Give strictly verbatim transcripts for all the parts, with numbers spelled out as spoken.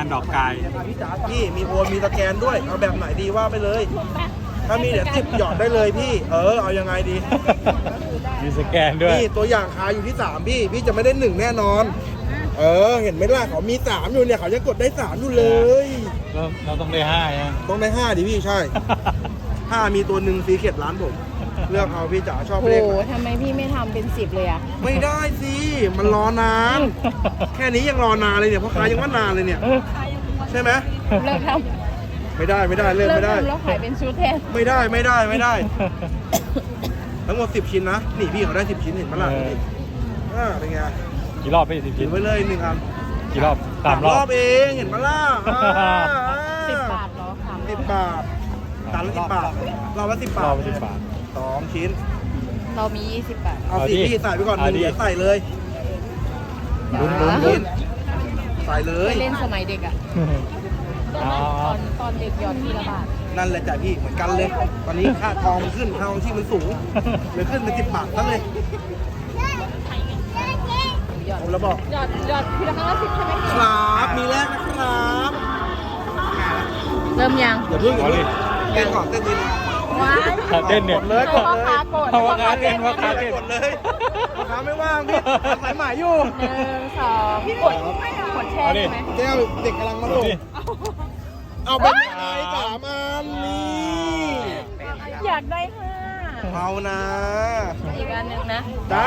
ดอกกายพี่มีโอนมีสแกนด้วยเอาแบบไหนดีว่าไปเลยถ้ามีเดี๋ยวจิบหยอดได้เลยพี่เออเอายังไงดีมีสแกนด้วยพี่ตัวอย่างขายอยู่ที่สามพี่พี่จะไม่ได้หนึ่งแน่นอนเออเห็นไหมล่ะเขามีสามอยู่เนี่ยเขายังกดได้สามอยู่เลยเราเราต้องได้ห้านะต้องได้ห้าดิพี่ใช่ห้ามีตัวหนึ่งซีเค็ดร้านผมเลือกเอาพี่จ๋าชอบเลขโอ้ทำไมพี่ไม่ทำเป็นสิบเลยอะไม่ได้สิมันรอนานแค่นี้ยังรอนานเลยเนี่ยเพราะขายยังว่านานเลยเนี่ยใช่ไหมเลิกทำไม่ได้ไม่ได้เลิกไม่ได้แล้วขายเป็นชุดแทนไม่ได้ไม่ได้ไม่ได้ทั้งหมดสิบชิ้นนะนี่พี่เขาได้สิบชิ้นเห็นไหมล่ะนี่อ่าเป็นไงกี่รอบไปสิบชิ้นไว้เลยหนึ่งอันกี่รอบสามรอบเองเห็นไหมล่ะสิบบาทเหรอสามสิบบาทจานละสิบบาทเราละสิบบาทเราละสิบบาทสองชิ้นเรามียี่สิบบาทเอาสิพี่ใส่ไปก่อนหนึ่งเดี๋ยวใส่เลยลุ้นลุ้นลุ้นใส่เลยเล่นสมัยเด็กอะตอนตอนเด็กหยอดทีละบาทนั่นแหละจ้ะพี่เหมือนกันเลยตอนนี้ค่าทองมันขึ้นค่าทองที่มันสูงเลยขึ้นเป็นสิบบาทนั่นเลยผมแล้วบอกหยอดหยอดทีละครั้งละสิบใช่ไหมครับมีแรกนะครับเริ่มยังอย่าเพิ่งอย่าเพิ่งเต้นก่อนเต้นดีว้ายเต้นเนี่ยเลยกดเลยเพราะว่าค้าเต้นว่าค้าเต้นกดเลยค้าไม่ว่างพี่สายหมายอยู่หนึ่งสองกดกดแช่ใช่ไหมแก้วเด็กกำลังมาลงเอาไปไหนสามอันนี่อยากได้ห้าเอานะอีกอันหนึ่งนะจ้า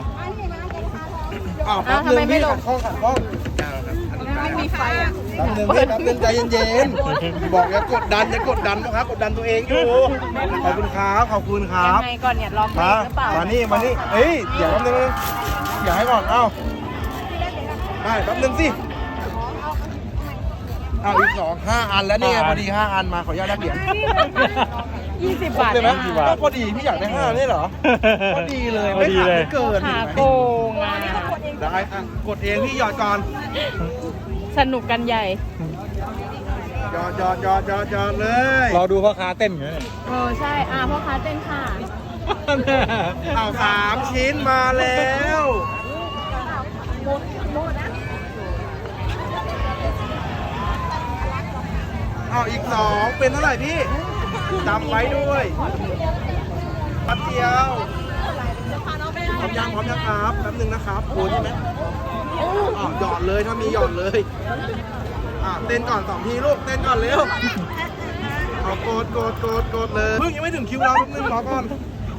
อ้าวแป๊บนึงพี่ขัดข้องขัดข้องไม่มีไฟอ่ะแป๊บนึงพี่แป๊บนึงใจเย็นๆบอกอย่ากดดันอย่ากดดันนะครับกดดันตัวเองอยู่ขอบคุณครับขอบคุณครับยังไงก่อนเนี่ยลองมาหรือเปล่ามานี่มานี่เฮ้ยเดี๋ยวแป๊บนึงอย่าให้ก่อนเอ้าได้แป๊บนึงสิเอาอีกสองห้าอันแล้วนี่พอดีห้าอันมาขออนุญาตแลกเหรียญยี่สิบบาทเลยไหมก็พอดีพี่อยากได้ห้านี่เหรอพอดีเลยไม่ขาดไม่เกินขาโกงอ่ะได้อ่ะกดเองพี่หยอดก่อนสนุกกันใหญ่หยอดหยอดหยอดหยอดหยอดเลยเราดูพ่อค้าเต้นอยู่เนี่ยโอ้ใช่อ่ะพ่อค้าเต้นค่ะเอาสามชิ้นมาแล้วเอาอีกสองเป็นเท่าไหร่พี่จำไว้ด้วยปัดเดียวพร้อมยังพร้อมยังครับแป๊บนึงนะครับโอนใช่ไหมอ๋อหยอดเลยถ้ามีหยอดเลยอ่ะเต้นก่อนสองทีลูกเต้นก่อนเร็วเอากดกดกดกดเลยเพิ่งยังไม่ถึงคิวเราแป๊บนึงรอก่อน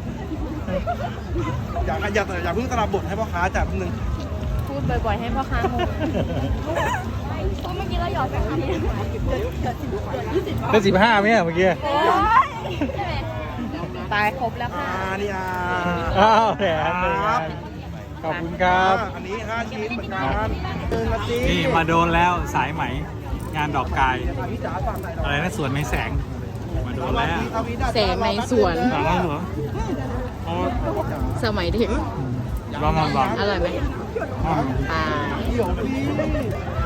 อย่าอย่าอย่าเพิ่งสลับบทให้พ่อค้าจ่ายแป๊บนึงพูดบ่อยๆให้พ่อค้างงเพราะเมื่อกี้เราหยอดไปอันนี้ได้สิบห้าไหมเมื่อกี้ตายครบแล้วค่ะนี่อ่ะอ้าวแถมเลยขอบคุณครับอันนี้ห้าชิ้นเหมือนกันนี่มาโดนแล้วสายไหมงานดอกกายอะไรนะสวนในแสงมาโดนแล้วแสงในสวนสมัยเด็กลองลองลองอร่อยไหมอ่า